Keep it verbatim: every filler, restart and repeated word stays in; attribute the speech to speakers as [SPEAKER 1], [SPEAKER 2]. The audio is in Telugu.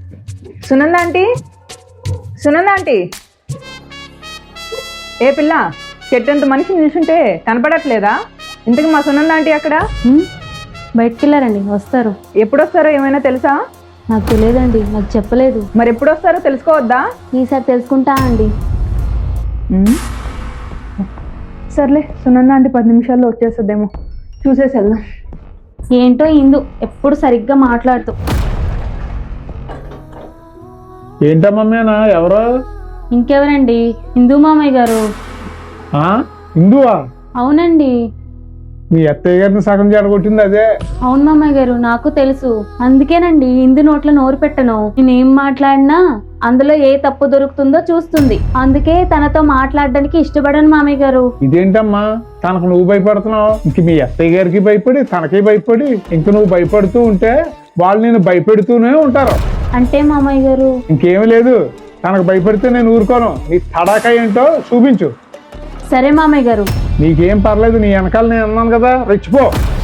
[SPEAKER 1] Sunanda aunty, Sunanda aunty. ఏ పిల్ల, చెట్టంత మనిషిని చూసుంటే కనపడట్లేదా? ఇంతకు మా సునంద ఆంటీ అక్కడ
[SPEAKER 2] బయటికి వెళ్ళారండి, వస్తారు.
[SPEAKER 1] ఎప్పుడు వస్తారో ఏమైనా తెలుసా?
[SPEAKER 2] నాకు తెలియదండి, నాకు చెప్పలేదు.
[SPEAKER 1] మరి ఎప్పుడు వస్తారో తెలుసుకోవద్దా?
[SPEAKER 2] ఈసారి తెలుసుకుంటా అండి.
[SPEAKER 1] సర్లే, సునంద ఆంటీ పది నిమిషాల్లో వచ్చేస్తుందేమో, చూసేసి వెళ్దాం.
[SPEAKER 2] ఏంటో ఇందు ఎప్పుడు సరిగ్గా మాట్లాడుతూ.
[SPEAKER 3] ఏంటమ్మమ్మేనా? ఎవరో?
[SPEAKER 2] ఇంకెవరండి, ఇందు మామయ్య గారు.
[SPEAKER 3] ఇందువా?
[SPEAKER 2] అవునండి.
[SPEAKER 3] మీ అత్తయ్య గారిని సగం జడగొట్టింది అదే.
[SPEAKER 2] అవును మామయ్య గారు, నాకు తెలుసు. అందుకేనండి ఇందు నోట్లో నోరు పెట్టను. నేనేం మాట్లాడినా అందులో ఏ తప్పు దొరుకుతుందో చూస్తుంది. అందుకే తనతో మాట్లాడడానికి ఇష్టపడను మామయ్య గారు.
[SPEAKER 3] ఇదేంటమ్మా, తనకు నువ్వు భయపడుతున్నావు? ఇంక మీ అత్తయ్య గారికి భయపడి తనకి భయపడి ఇంక నువ్వు భయపడుతూ ఉంటే వాళ్ళు నేను భయపెడుతూనే ఉంటారు.
[SPEAKER 2] అంటే మామయ్య గారు
[SPEAKER 3] ఇంకేమీ లేదు, తనకు భయపడితే నేను ఊరుకోను. నీ తడాక ఏంటో చూపించు.
[SPEAKER 2] సరే మామయ్య గారు.
[SPEAKER 3] నీకేం పర్లేదు, నీ వెనకాల నేను అన్నాను కదా, రెచ్చిపో.